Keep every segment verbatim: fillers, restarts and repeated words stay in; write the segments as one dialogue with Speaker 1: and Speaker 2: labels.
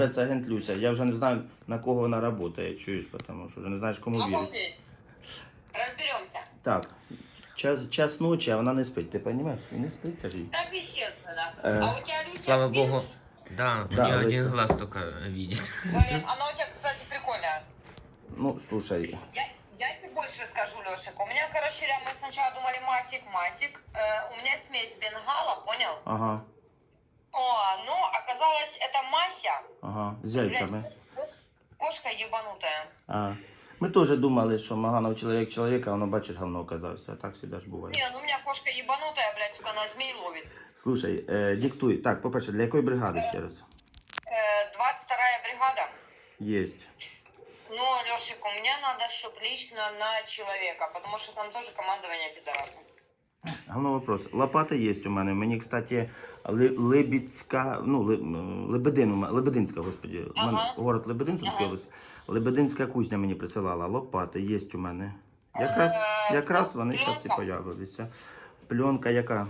Speaker 1: Це агент Люся. Я вже не знаю, на кого вона працює, чуєш, тому що вже не знаєш, кому вірити.
Speaker 2: Разберемся.
Speaker 1: Так, час, час ночі, а вона не спить, ти розумієш? І не спить, це ж їй.
Speaker 2: Так, естественно.
Speaker 1: Э,
Speaker 2: А у тебя, Люся,
Speaker 3: Слава
Speaker 2: Твинкс?
Speaker 3: богу. Да,
Speaker 1: Да,
Speaker 3: у нее один
Speaker 1: Леся.
Speaker 3: глаз только видит.
Speaker 2: Блин, она у тебя, кстати, прикольная.
Speaker 1: Ну, слушай,
Speaker 2: Я, я тебе больше скажу, Лешик. У меня, короче, мы сначала думали масик-масик. Э, у меня смесь бенгала, понял?
Speaker 1: ага,
Speaker 2: О, ну, оказалось, это Мася.
Speaker 1: ага, з
Speaker 2: Блядь,
Speaker 1: яйцями.
Speaker 2: кош- кошка ебанутая.
Speaker 1: А. Ми теж думали, що Маганов чоловік чоловіка, а воно, бачиш, говно оказався. Так завжди ж буває.
Speaker 2: Не, ну у меня кошка ебанутая, блядь, сука, на змей ловит.
Speaker 1: Слушай, е, диктуй. Так, по-перше, для якої бригади ще раз?
Speaker 2: Э, двадцать вторая бригада.
Speaker 1: Єсть.
Speaker 2: Ну, Лешик, у меня надо, чтобы лично на человека, потому что там тоже командование пидораса.
Speaker 1: Головний вопрос. Лопата є у мене. Мені, кстати, Ли- Либідська, ну, Ли- м, Лебедин, у мене- Лебединська, господи. У мене
Speaker 2: Ага.
Speaker 1: город Лебедин, Сумська
Speaker 2: Ага.
Speaker 1: область. Лебединська кузня мені присилала. Лопати є у мене. Якраз,
Speaker 2: Е,
Speaker 1: якраз вони
Speaker 2: пленка?
Speaker 1: зараз і появилися. Пленка яка?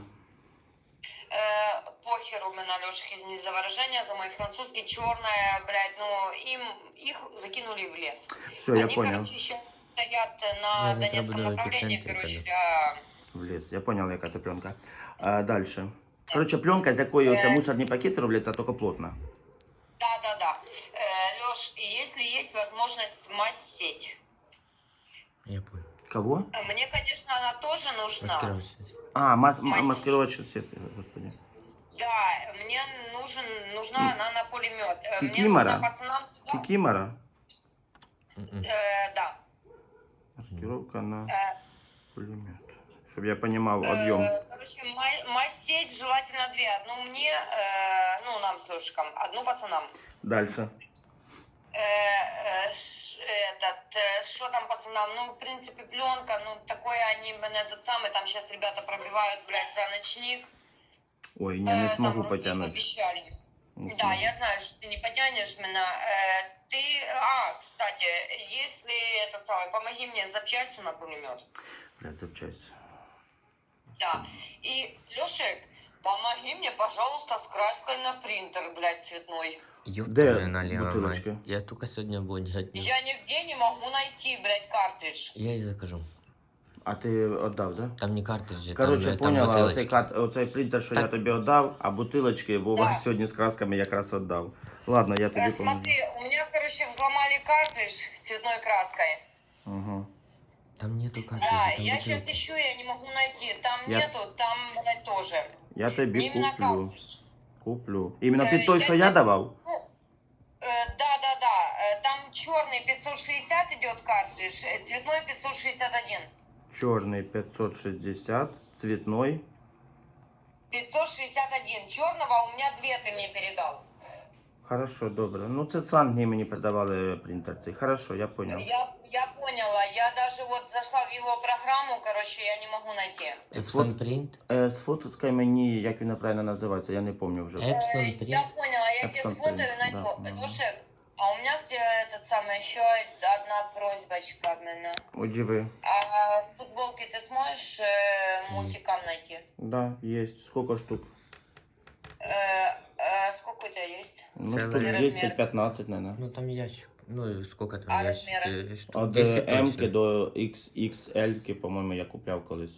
Speaker 2: Э, похер у меня, Лешик, извини за выражение, за мой французский, черная, блядь, ну, им, их закинули в лес.
Speaker 1: Все, я
Speaker 2: Они,
Speaker 1: понял.
Speaker 2: короче, еще стоят на
Speaker 3: Я завтра
Speaker 2: Донецком
Speaker 3: буду в
Speaker 2: направлении,
Speaker 3: эпицентре
Speaker 2: короче,
Speaker 3: тогда.
Speaker 2: для...
Speaker 1: В ліс. Я понял, яка це пленка. А, дальше. Коротше, пленка, з якої оце
Speaker 2: Е.
Speaker 1: мусорні пакети робляться, тільки плотна.
Speaker 2: Да-да-да. Э, Леш, если есть возможность масеть.
Speaker 3: Я понял.
Speaker 1: Кого?
Speaker 2: Э, Мне, конечно, она тоже нужна.
Speaker 3: Маскировать сейчас.
Speaker 1: А, мас
Speaker 2: Масі-
Speaker 1: маскировочна сітка, господи.
Speaker 2: Да, мне нужен, нужна она на пулемет. Э, Мне
Speaker 1: Кикимора?
Speaker 2: нужна пацанам туда.
Speaker 1: Кікімора.
Speaker 3: М-м.
Speaker 2: Э, да.
Speaker 1: Маскировка на
Speaker 2: Э,
Speaker 1: пулемет. Щоб я понимав об'єм.
Speaker 2: Э, Короче, ма- мастить желательно две. Одну мне, э, ну, нам с Лешиком, одну пацанам.
Speaker 1: Дальше.
Speaker 2: Э, э, ш- этот, э, что там пацанам? Ну, в принципе, пленка, ну, такое они, блин, этот самый, там сейчас ребята пробивают, блядь, за ночник.
Speaker 1: Ой, не, не
Speaker 2: Э,
Speaker 1: смогу
Speaker 2: там вроде
Speaker 1: потягнути.
Speaker 2: Обещали.
Speaker 1: Не
Speaker 2: Да,
Speaker 1: смогу.
Speaker 2: я знаю, что ты не потянешь меня. Э, ты, а, кстати, если этот самый, помоги мне с запчастью на пулемет.
Speaker 1: Блядь, запчасть.
Speaker 2: Да. И, Лешек, помоги мне, пожалуйста, с краской на принтер, блядь, цветной.
Speaker 3: Ёб
Speaker 1: Де
Speaker 3: твою налево, мать.
Speaker 1: бутылочка?
Speaker 3: Я только сегодня буду делать.
Speaker 2: Я нигде не могу найти, блядь, картридж.
Speaker 3: Я и закажу.
Speaker 1: А ти віддав, да?
Speaker 3: Там не картриджи,
Speaker 1: Коротше,
Speaker 3: там, там
Speaker 1: поняла, оцей,
Speaker 3: бутылочки.
Speaker 1: кат, оцей принтер, що я
Speaker 3: Так.
Speaker 1: тобі віддав, а бутилочки Вова
Speaker 2: Да.
Speaker 1: сьогодні з красками якраз віддав. Ладно, я
Speaker 2: Э,
Speaker 1: тобі поможу.
Speaker 2: смотри, у меня, короче, взломали картридж с цветной краской.
Speaker 1: Ага.
Speaker 3: Там нету
Speaker 2: Да,
Speaker 3: картриджей, там
Speaker 2: я сейчас
Speaker 3: бутылки.
Speaker 2: ищу, я не могу найти. Там
Speaker 1: Я-
Speaker 2: нету, там, блядь, тоже.
Speaker 1: Я тобі
Speaker 2: Именно
Speaker 1: куплю.
Speaker 2: картридж.
Speaker 1: Куплю. Іменно
Speaker 2: Е,
Speaker 1: під той,
Speaker 2: я
Speaker 1: що я
Speaker 2: десь-
Speaker 1: давав?
Speaker 2: Ну, э, да, да, да. Э, там черный пятьсот шестьдесят идет картридж, э, цветной пятьсот шестьдесят один.
Speaker 1: Чорний п'ятсот шістдесят, цвітной.
Speaker 2: пятьсот шестьдесят один. Черного у меня две ты мне передал.
Speaker 1: Хорошо, добре. Ну це з Англії мені передавали принтер цей. Хорошо, я понял.
Speaker 2: Я, я поняла. Я даже вот зашла в его программу, короче, я не могу найти.
Speaker 3: Epson Print?
Speaker 1: Е, сфоткай мені, як він правильно називається, я не пам'ятаю вже.
Speaker 3: Е?
Speaker 2: Э,
Speaker 3: Epson
Speaker 2: я
Speaker 3: Print?
Speaker 2: поняла, я тебе
Speaker 1: Epson
Speaker 2: сфотою
Speaker 1: Print,
Speaker 2: найду.
Speaker 1: да, да.
Speaker 2: Лешек, а у меня где этот самый еще одна просьбочка от меня.
Speaker 1: Удиви.
Speaker 2: А футболки ты сможешь э, мультикам найти?
Speaker 1: Да, есть. Сколько штук?
Speaker 2: Э, э, сколько у тебя есть?
Speaker 1: Ну,
Speaker 3: Целый
Speaker 1: штук
Speaker 2: размер.
Speaker 1: десять-пятнадцать, наверное.
Speaker 3: Ну там ящик. Ну и сколько там
Speaker 2: А
Speaker 3: ящик?
Speaker 2: размеры?
Speaker 3: Э, Штук
Speaker 1: От
Speaker 3: десять
Speaker 1: М
Speaker 3: точно.
Speaker 1: до ікс ікс ель, по-моєму, я купляв колись.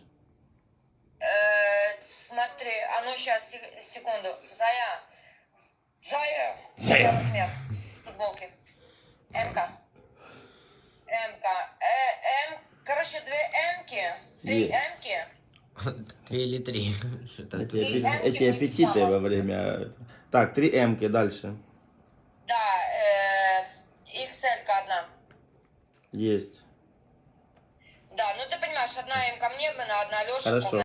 Speaker 2: Э, смотри, а ну сейчас, секунду. Зая. Зая.
Speaker 1: Зая.
Speaker 2: Размер футболки. М-ка. М-ка. Э, М, короче, две М-ки, три
Speaker 1: Е.
Speaker 2: М-ки.
Speaker 3: Три или три. Что-то
Speaker 1: Эти,
Speaker 2: Три
Speaker 1: аппе-
Speaker 2: М-ки
Speaker 1: эти
Speaker 2: не
Speaker 1: аппетиты во
Speaker 2: попалось.
Speaker 1: время... Так, три М-ки дальше.
Speaker 2: Да, э, икс эль-ка одна.
Speaker 1: Есть.
Speaker 2: Да, ну ты понимаешь, одна М ко мне, одна Леша.
Speaker 1: Хорошо.